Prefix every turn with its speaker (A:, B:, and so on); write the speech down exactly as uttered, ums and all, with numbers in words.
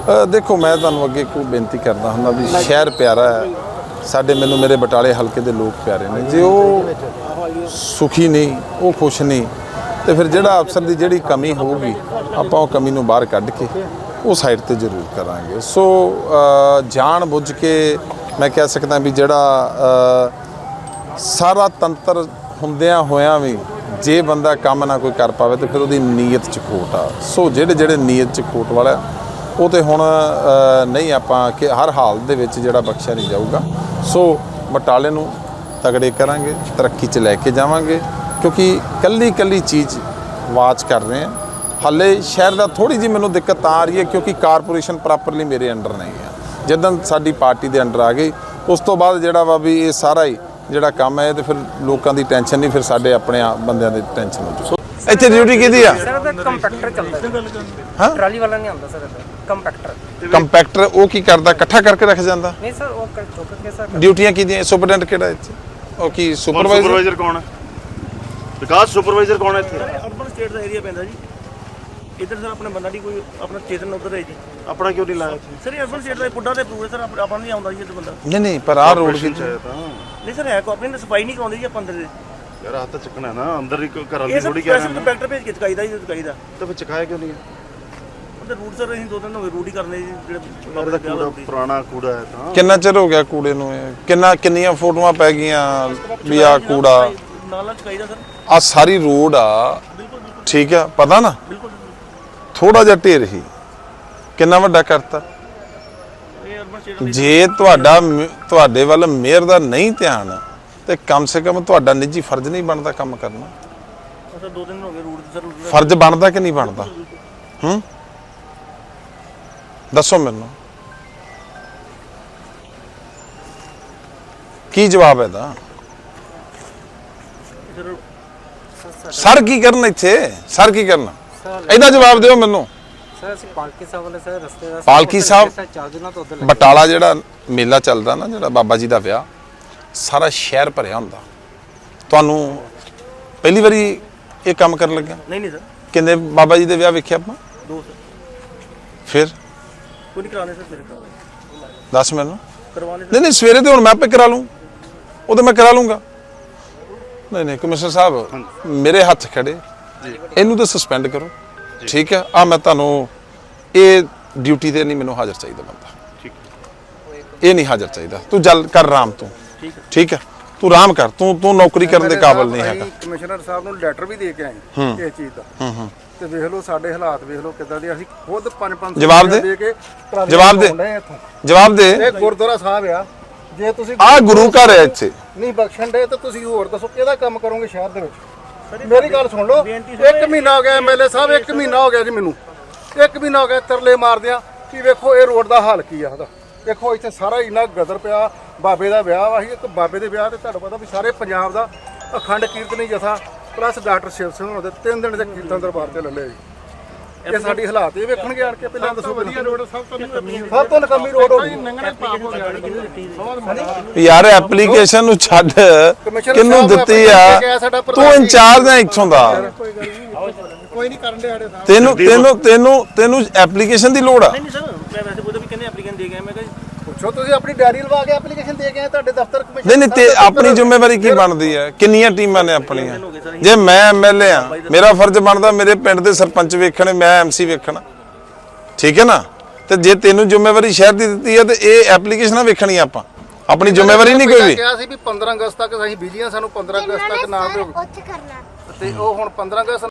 A: देखो मैं तुहानूं अगे एक बेनती करदा हुंदा भी शहर प्यारा है साडे मैनूं मेरे बटाले हल्के दे लोग प्यारे ने जे वो सुखी नहीं वो खुश नहीं तो फिर जिहड़ा अफसर की जिहड़ी कमी होगी आपां उह कमी नूं बाहर कढ के वो साइड ते जरूर करांगे। सो जान बुझ के मैं कह सकदा भी जिहड़ा सारा तंत्र हुंदियां होयां भी जे बंदा काम ना कोई कर पावे तो फिर उहदी नीयत च खोट आ। सो जिहड़े जिहड़े नीयत च खोट वाला वो तो हुण नहीं आपां कि हर हाल दे विच जिहड़ा बख्शिया नहीं जाऊगा। सो बटाले नूं तगड़े करांगे तरक्की च लैके जावांगे क्योंकि कल्ली कल्ली चीज़ वाच कर रहे हैं। हाले शहर का थोड़ी जी मैनूं दिक्कत आ रही है क्योंकि कारपोरेशन प्रॉपरली मेरे अंडर नहीं है। जिद्दन साडी पार्टी दे अंडर आ गई उस तो बाद जिहड़ा वा भी ये सारा ही जिहड़ा काम है तो फिर लोगों की टेंशन नहीं फिर साडे अपने बंदियां दी टेंशन हो। ਇੱਥੇ ਡਿਊਟੀ ਕਿਹਦੀ ਆ
B: ਸਰ ਦਾ ਕੰਪੈਕਟਰ ਚੱਲਦਾ ਹਾਂ ਟਰਾਲੀ ਵਾਲਾ ਨਹੀਂ ਆਉਂਦਾ ਸਰ ਕੰਪੈਕਟਰ
A: ਕੰਪੈਕਟਰ ਉਹ ਕੀ ਕਰਦਾ ਇਕੱਠਾ ਕਰਕੇ ਰੱਖ ਜਾਂਦਾ
B: ਨਹੀਂ ਸਰ ਉਹ ਚੁੱਕ ਕੇ ਸਰ
A: ਡਿਊਟੀਆਂ ਕਿਹਦੀਆਂ ਸੁਪਰਡੈਂਟ ਕਿਹੜਾ ਇੱਥੇ ਉਹ ਕੀ ਸੁਪਰਵਾਈਜ਼ਰ
C: ਸੁਪਰਵਾਈਜ਼ਰ ਕੌਣ ਹੈ ਵਿਕਾਸ ਸੁਪਰਵਾਈਜ਼ਰ ਕੌਣ ਹੈ ਇੱਥੇ
D: ਅਰਬਨ ਸਟੇਟ ਦਾ ਏਰੀਆ ਪੈਂਦਾ ਜੀ ਇੱਧਰ ਸਰ ਆਪਣੇ ਬੰਦਾ ਨਹੀਂ ਕੋਈ ਆਪਣਾ ਚੇਤਨ ਉੱਧਰ ਹੈ ਜੀ
C: ਆਪਣਾ ਕਿਉਂ ਨਹੀਂ ਲਾਇਆ ਇੱਥੇ
D: ਸਰ ਇਹ ਅਰਬਨ ਸਟੇਟ ਦਾ ਪੁੱਡਾ ਤੇ ਪੂਰੇ ਸਰ ਆਪਾਂ ਨਹੀਂ ਆਉਂਦਾ ਜੀ ਇੱਧਰ ਬੰਦਾ
A: ਨਹੀਂ ਨਹੀਂ ਪਰ ਆਹ ਰੋਡ ਕਿੱਥੇ
D: ਨਹੀਂ ਸਰ ਹੈ ਕੋ ਆਪਣੀ ਸਫਾਈ ਨਹੀਂ ਕਰਾਉਂਦੇ ਜੀ ਆਪਾਂ ਅੰਦਰ ਦੇ
C: ਯਾਰ ਹੱਥ ਚੱਕਣਾ ਨਾ ਅੰਦਰ ਹੀ ਘਰ ਵਾਲੀ
D: ਇਹ
C: ਥੋੜੀ
D: ਸਰ ਸਪੈਸ਼ਲ ਕੰਪੈਕਟਰ ਭੇਜ ਕੇ ਚਕਾਈਦਾ ਜੀ ਚਕਾਈਦਾ
C: ਤਾਂ ਫਿਰ ਚਕਾਇਆ ਕਿਉਂ ਨਹੀਂ
D: ਉਹਦੇ ਰੂਟ ਸਰ ਅਸੀਂ ਦੋ ਦਿਨ ਹੋ ਗਏ ਰੂਟ ਹੀ ਕਰਨੇ ਜੀ ਜਿਹੜੇ
C: ਬਾਬਾ ਦਾ ਕੂੜਾ ਪੁਰਾਣਾ ਕੂੜਾ ਹੈ ਤਾਂ
A: ਕਿੰਨਾ ਚਿਰ ਹੋ ਗਿਆ ਕੂੜੇ ਨੂੰ ਇਹ? ਕਿੰਨਾ ਕਿੰਨੀਆਂ ਫੋਟੋਆਂ ਪੈ ਗਈਆਂ ਵੀ ਆ ਕੂੜਾ
D: ਨਾਲਾ ਚਕਾਈਦਾ ਸਰ
A: ਆ ਸਾਰੀ ਰੋਡ ਆ ਠੀਕ ਆ ਪਤਾ ਨਾ
D: ਬਿਲਕੁਲ
A: ਥੋੜਾ ਜਿਹਾ ਢੇਰ ਹੀ ਕਿੰਨਾ ਵੱਡਾ ਕਰਤਾ
D: ਇਹ ਅਰਬਨ ਸਟੇਟ
A: ਜੇ ਤੁਹਾਡਾ ਤੁਹਾਡੇ ਵੱਲ ਮੇਅਰ ਦਾ ਨਹੀਂ ਧਿਆਨ ਤੇ ਕਮ ਸੇ ਕਮ ਤੁਹਾਡਾ ਨਿੱਜੀ ਫਰਜ਼ ਨਹੀਂ ਬਣਦਾ ਕੰਮ ਕਰਨਾ
D: ਸਰ ਦੋ ਦਿਨ ਹੋ ਗਏ ਰੂਟ ਸਰ
A: ਫਰਜ਼ ਬਣਦਾ ਕਿ ਨਹੀਂ ਬਣਦਾ ਹੂੰ ਦੱਸੋ ਮੈਨੂੰ ਕੀ ਜਵਾਬ ਹੈ ਦਾ ਸਰ ਕੀ ਕਰਨ ਇੱਥੇ ਸਰ ਕੀ ਕਰਨਾ ਇਹਦਾ ਜਵਾਬ ਦਿਓ ਮੈਨੂੰ
B: ਸਰ ਅਸੀਂ ਪਾਲਕੀ ਸਾਹਿਬ ਵਾਲੇ ਸਰ ਰਸਤੇ ਦਾ
A: ਪਾਲਕੀ ਸਾਹਿਬ
B: ਚਾਰ ਦਿਨਾਂ ਤੋਂ ਉੱਧਰ
A: ਬਟਾਲਾ ਜਿਹੜਾ ਮੇਲਾ ਚੱਲਦਾ ਨਾ ਜਿਹੜਾ ਬਾਬਾ ਜੀ ਦਾ ਵਿਆਹ ਸਾਰਾ ਸ਼ਹਿਰ ਭਰਿਆ ਹੁੰਦਾ ਤੁਹਾਨੂੰ ਪਹਿਲੀ ਵਾਰੀ ਇਹ ਕੰਮ ਕਰਨ ਲੱਗਿਆ
D: ਨਹੀਂ ਨਹੀਂ ਸਰ
A: ਕਿੰਨੇ ਬਾਬਾ ਜੀ ਦੇ ਵਿਆਹ ਵੇਖਿਆ ਆਪਾਂ
D: ਦੋ ਸਰ
A: ਫਿਰ
D: ਕੋਈ ਨਹੀਂ ਕਰਾਣੇ ਸਰ ਮੇਰੇ ਕਰਾਣੇ
A: ਦੱਸ ਮੈਨੂੰ
D: ਕਰਵਾਣੇ
A: ਨਹੀਂ ਨਹੀਂ ਸਵੇਰੇ ਤੇ ਹੁਣ ਮੈਂ ਆਪੇ ਕਰਾ ਲੂੰ ਉਹ ਤਾਂ ਮੈਂ ਕਰਾ ਲੂੰਗਾ ਨਹੀਂ ਨਹੀਂ ਕਮਿਸ਼ਨਰ ਸਾਹਿਬ ਮੇਰੇ ਹੱਥ ਖੜੇ ਇਹਨੂੰ ਤਾਂ ਸਸਪੈਂਡ ਕਰੋ ਠੀਕ ਹੈ ਆ ਮੈਂ ਤੁਹਾਨੂੰ ਇਹ ਡਿਊਟੀ ਤੇ ਨਹੀਂ ਮੈਨੂੰ ਹਾਜ਼ਰ ਚਾਹੀਦਾ ਬੰਦਾ
C: ਠੀਕ
A: ਇਹ ਨਹੀਂ ਹਾਜ਼ਰ ਚਾਹੀਦਾ ਤੂੰ ਜਲ ਕਰ ਆਰਾਮ ਤੂੰ
D: ਠੀਕ ਹੈ
A: ਠੀਕ ਹੈ ਤੂੰ ਆਰਾਮ ਕਰ ਤੂੰ ਤੂੰ ਨੌਕਰੀ ਕਰਨ ਦੇ ਕਾਬਿਲ ਨਹੀਂ ਹੈਗਾ
E: ਕਮਿਸ਼ਨਰ ਸਾਹਿਬ ਨੂੰ ਲੈਟਰ ਵੀ ਦੇ ਕੇ ਆਏ ਇਸ ਚੀਜ਼ ਦਾ
A: ਹੂੰ ਹੂੰ
E: ਤੇ ਵੇਖ ਲਓ ਸਾਡੇ ਹਾਲਾਤ ਵੇਖ ਲਓ ਕਿੱਦਾਂ ਦੇ ਅਸੀਂ ਖੁਦ ਪੰਜ ਪੰਜ
A: ਜਵਾਬ ਦੇ।
E: ਦੇ ਕੇ ਟਰਾਲੀਆਂ
A: ਜਵਾਬ ਦੇ।
E: ਲਾਉਣ ਡਏ ਇੱਥੋਂ।
A: ਜਵਾਬ ਦੇ
E: ਇਹ ਗੁਰਦੁਆਰਾ ਸਾਹਿਬ ਆ ਜੇ ਤੁਸੀਂ
A: ਆ ਗੁਰੂ ਘਰ ਹੈ ਇੱਥੇ
E: ਨਹੀਂ ਬਖਸ਼ਣ ਦੇ ਤਾਂ ਤੁਸੀਂ ਹੋਰ ਦੱਸੋ ਕਿਹਦਾ ਕੰਮ ਕਰੋਗੇ ਸ਼ਹਿਰ ਦੇ ਵਿੱਚ ਮੇਰੀ ਗੱਲ ਸੁਣ ਲਓ ਇੱਕ ਮਹੀਨਾ ਹੋ ਗਿਆ ਐਮਐਲਏ ਸਾਹਿਬ ਇੱਕ ਮਹੀਨਾ ਹੋ ਗਿਆ ਜੀ ਮੈਨੂੰ ਇੱਕ ਮਹੀਨਾ ਹੋ ਗਿਆ ਤਰਲੇ ਮਾਰਦਿਆਂ ਕਿ ਵੇਖੋ ਇਹ ਰੋਡ ਦਾ ਹਾਲ ਕੀ ਆ ਉਹਦਾ ਦੇਖੋ ਇੱਥੇ ਸਾਰਾ ਇੰਨਾ ਗਦਰ ਪਿਆ ਬਾਬੇ ਦਾ ਵਿਆਹ ਵਾ ਸੀ ਇੱਕ ਬਾਬੇ ਦੇ ਵਿਆਹ ਤੇ ਤੁਹਾਨੂੰ ਪਤਾ ਵੀ ਸਾਰੇ ਪੰਜਾਬ ਦਾ ਅਖੰਡ ਕੀਰਤਨੀ ਜਥਾ ਪਲੱਸ ਡਾਕਟਰ ਸ਼ਿਵ ਸਿੰਘ ਹੋਣਾ ਦੇ ਤਿੰਨ ਦਿਨ ਦੇ ਕੀਰਤਨ ਦਰਬਾਰ ਤੇ ਲੱਲੇ ਜੀ ਇਹ ਸਾਡੀ ਹਾਲਾਤ ਇਹ ਵੇਖਣਗੇ ਆਣ ਕੇ ਪਹਿਲਾਂ ਦੱਸੋ ਵਧੀਆ ਰੋਡ ਸਭ ਤੋਂ ਸਭ ਤੋਂ ਨਕਮੀ ਰੋਡ ਹੋ ਗਈ ਨੰਗਣੇ ਪਾਪ ਹੋ ਗਿਆ
A: ਯਾਰ ਐਪਲੀਕੇਸ਼ਨ ਨੂੰ ਛੱਡ ਕਿਹਨੂੰ ਦਿੱਤੀ ਆ ਤੂੰ ਇੰਚਾਰਜ ਹੈ ਇੱਥੋਂ ਦਾ
E: ਕੋਈ ਨਹੀਂ ਕਰਨ ਦੇ ਸਾਡੇ ਸਾਹਿਬ
A: ਤੈਨੂੰ ਤੈਨੂੰ ਤੈਨੂੰ ਤੈਨੂੰ ਐਪਲੀਕੇਸ਼ਨ ਦੀ ਲੋੜ ਆ
D: ਨਹੀਂ ਸਰ ਮੈਂ ਵੈਸੇ ਉਹਦੇ ਵੀ ਕਹਿੰਦੇ ਐਪਲੀਕੈਂਟ ਦੇ ਗਏ ਮੈਂ ਕਿਹਾ
E: ਪੁੱਛੋ ਤੁਸੀਂ ਆਪਣੀ ਡਾਇਰੀ ਲਵਾ ਕੇ ਐਪਲੀਕੇਸ਼ਨ ਦੇ ਕੇ ਆਏ ਤੁਹਾਡੇ ਦਫ਼ਤਰ
A: ਨਹੀਂ ਨਹੀਂ ਤੇ ਆਪਣੀ ਜ਼ਿੰਮੇਵਾਰੀ ਕੀ ਬਣਦੀ ਹੈ ਕਿੰਨੀਆਂ ਟੀਮਾਂ ਨੇ ਆਪਣੀਆਂ ਜੇ ਮੈਂ ਐਮਐਲਏ ਆ ਮੇਰਾ ਫਰਜ਼ ਬਣਦਾ ਮੇਰੇ ਪਿੰਡ ਦੇ ਸਰਪੰਚ ਵੇਖਣੇ ਮੈਂ ਐਮਸੀ ਵੇਖਣਾ ਠੀਕ ਹੈ ਨਾ ਤੇ ਜੇ ਤੈਨੂੰ ਜ਼ਿੰਮੇਵਾਰੀ ਸ਼ਹਿਰ ਦੀ ਦਿੱਤੀ ਹੈ ਤੇ ਇਹ ਐਪਲੀਕੇਸ਼ਨਾਂ ਵੇਖਣੀਆਂ ਆਪਾਂ ਆਪਣੀ ਜ਼ਿੰਮੇਵਾਰੀ ਨਹੀਂ ਕੋਈ ਵੀ
E: ਕਿਹਾ ਸੀ ਵੀ ਪੰਦਰਾਂ ਅਗਸਤ ਤੱਕ ਅਸੀਂ ਬਿਜਲੀਆਂ ਸਾਨੂੰ ਪੰਦਰਾਂ ਅਗਸਤ ਤੱਕ ਨਾ ਦਿਓ
F: ਉੱਥੇ ਕਰਨਾ
E: ਤੇ ਉਹ ਹੁਣ ਪੰਦਰਾਂ ਅਗਸਤ